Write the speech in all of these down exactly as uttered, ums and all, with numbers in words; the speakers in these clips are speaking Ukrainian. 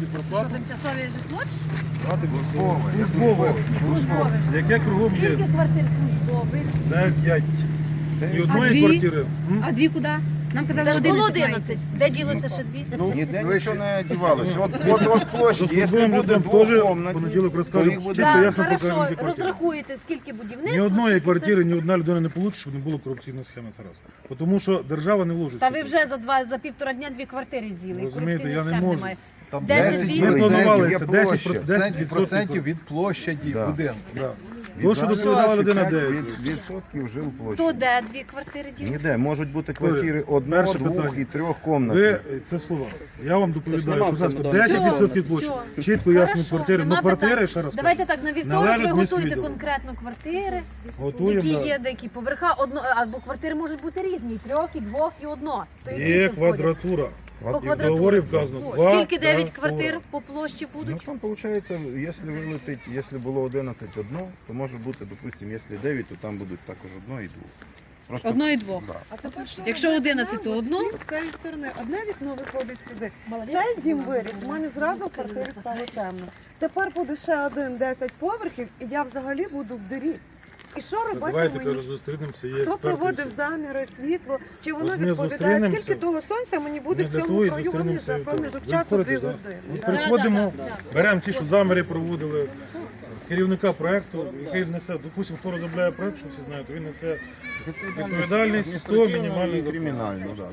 собі Що, проплату. тимчасове житло? ж? А, тимчасове. Службове. Службове житло. Яке кругом є? Скільки квартир службових? дев'ять. Ні А одної дві? квартири. М? А дві куди? Нам казали Та ж було одинадцять. одинадцять. Де ділося ще дві? Ну, Ніде ви нічого ще- не дівалося. От, от, от площі, якщо Заслуженим буде людям теж двокомнатні, понеділок то розкажемо, їх буде чітко Так, ясно покажемо хорошо, ті квартири. розрахуєте, скільки будівництва. Ні одної скільки квартири, ні одна людина не получить, щоб не було корупційної схеми. Це раз. Тому що держава не вложить. Та ви вже за два за півтора дня дві квартири з'їли. І Розумієте, корупційних я не схем можу. немає. Там Де ще десять дві? Ми процентів планували є це площа. десять десять процентів від площі Да. будинку. Да. Від То, що нас доповідала ще людина, п'ять де від- відсотків жив площі. То де дві квартири ділися? Ніде, можуть бути квартири одного, перше двох питання. і трьох Ви, комнатних. це слова. Я вам доповідаю, нема що, будь ласка, в цьому десять відсотків Все, площі. все. Чітко ясно Хорошо, квартири. нема Ну квартири, питань. ще раз Давайте кажу, так, на вівторок належать ви міській готуєте відділу. конкретно квартири, Готуємо, які да. є, деякі поверха, одно, або квартири можуть бути різні, і трьох, і двох, і одно. То які Є тут входять? квадратура. По І в квадратурі. договорі вказано. Скільки дев'ять квадратура. квартир по площі Ну будуть? там виходить, якщо вилетить, якщо було одинадцять одно, то може бути, допустимо, якщо дев'ять, то там будуть також одно і двох. Просто Одно і двох. да. А тепер що Якщо робити одинадцять, то нам? одну? Всі з цієї сторони. Одне вікно виходить сюди. Молодець. Цей дім виріс, в мене зразу в квартирі стало темно. Тепер буде ще один десять поверхів, і я взагалі буду в дирі. І що робити Давайте, мені? кажу, зустрінемося, є Хто експерти. проводив заміри, світло, чи воно От ми відповідає? зустрінемося. Скільки того сонця мені буде Ми в для цьому того і районі зустрінемося за і того. проміжок Ви часу дві входите, да? години? От Да, приходимо, да, да, да. беремо ті, що заміри проводили, керівника проєкту, який несе, допустимо, хто розробляє проєкт, що всі знають, він несе відповідальність сто мінімальних і кримінально, да.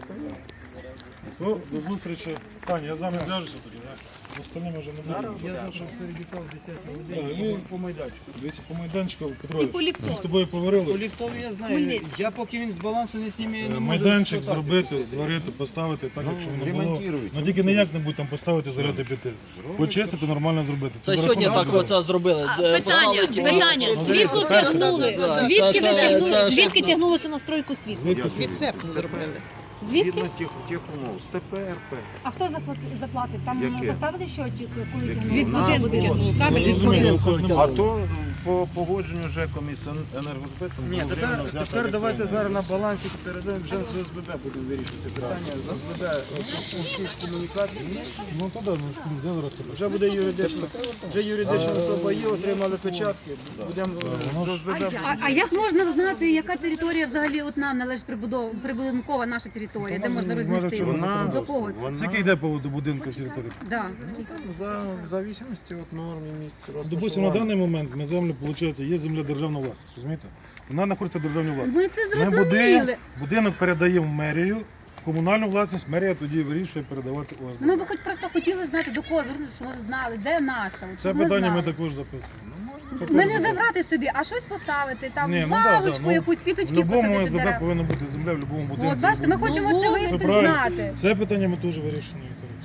То до зустрічі. Таня, я з вами зв'яжуся тоді, да? З остальними вже не буду. Я завтра в Середюков в десятій Так, годині і- по майданчику. Дивіться, по майданчику, І по Петрович, ліфтові. ми з тобою По поговорили. ліфтові я знаю. Хмельницький. Я поки він з балансу не зніме, я не Е, можу. Майданчик експлуатацію зробити, зварити, поставити так, Ну, як щоб воно було. ремонтують. Ну тільки ніяк не будь там поставити, заряди піти. Почистити, нормально зробити. Це за сьогодні рахунок так бюджету. оце зробили. А, Е, питання, поставили ті- питання. Ну, Світло це- тягнули. Да, Звідки це- ви це- тягнули? це- Звідки це- тягнулося на стройку світла? Звідки? Відцепку зробили. Звідки? Згідно тих, тих умов, з Т П Р П. А хто заплатив? заплатив? Там Яке? поставили щотчик, коли Яке? тягнули? Від У нас будинку було. тягнули, кабель Ну, від розумію, будинку. це ж не А було. то по погодженню ЖЕКом із енергозбитом Ні, було тепер, взято тепер давайте електронне. зараз на балансі передаємо вже з О С Б Б будемо вирішити питання. З О С Б Б по всіх комунікацій. Ну то да, ну ж де зараз тебе? Вже буде юридична, вже юридична особа є, отримали печатки. Будемо е, з О С Б Б. А, а як можна знати, яка територія взагалі от нам належить прибудова, прибудинкова наша територія, де можна розмістити? Вона, До кого? вона Скільки йде по до будинку території? Да. за, в зависимості від норм і місць Допустимо, на розташування. даний момент на землю, виходить, є земля державна власність, розумієте? Вона знаходиться в державній власності. Ви це Ми будинок, зрозуміли. будинок передаємо в мерію, в комунальну власність, мерія тоді вирішує передавати О С Б Б. Ми б хоч просто хотіли знати, до кого звернутися, щоб ви знали, де наша. от Це щоб ми питання ми знали. також записуємо. Ми не забрати собі, а щось поставити, там Ні, ну да, паличку, да, ну, якусь В піточки будь-якому посадити О С Б Б дерева. повинна бути земля, в будь-якому будинку. От бачите, ми хочемо Ну, це це виявити, правильно. знати. Це питання ми теж вирішимо.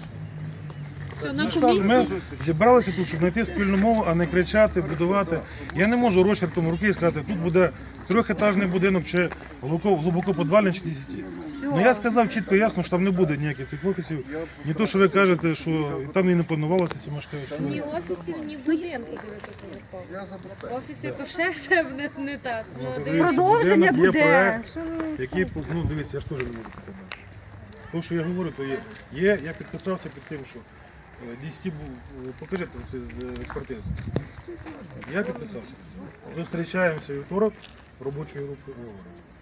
Все, на Ми ж кажемо, комісії. Ми зібралися тут, щоб знайти спільну мову, а не кричати, будувати. Я не можу розчерком руки сказати, тут буде трьохетажний будинок чи глибоко, глибоко подвальний чи десяти. Ну я сказав чітко, ясно, що там не буде ніяких цих офісів. Не то, що ви кажете, що там і не планувалося ці мешкають. Ні офісів, ні будинку. Офіси то ще ще не, не так. Ну, Ну, дивіться. Продовження Будинок є буде. проект. Що ви? Які, ну дивіться, я ж теж не можу таке бачити. То, що я говорю, то є. Є, я підписався під тим, що е, десять був, покажіть це з експертизи. Я підписався. Зустрічаємося вівторок робочою групою.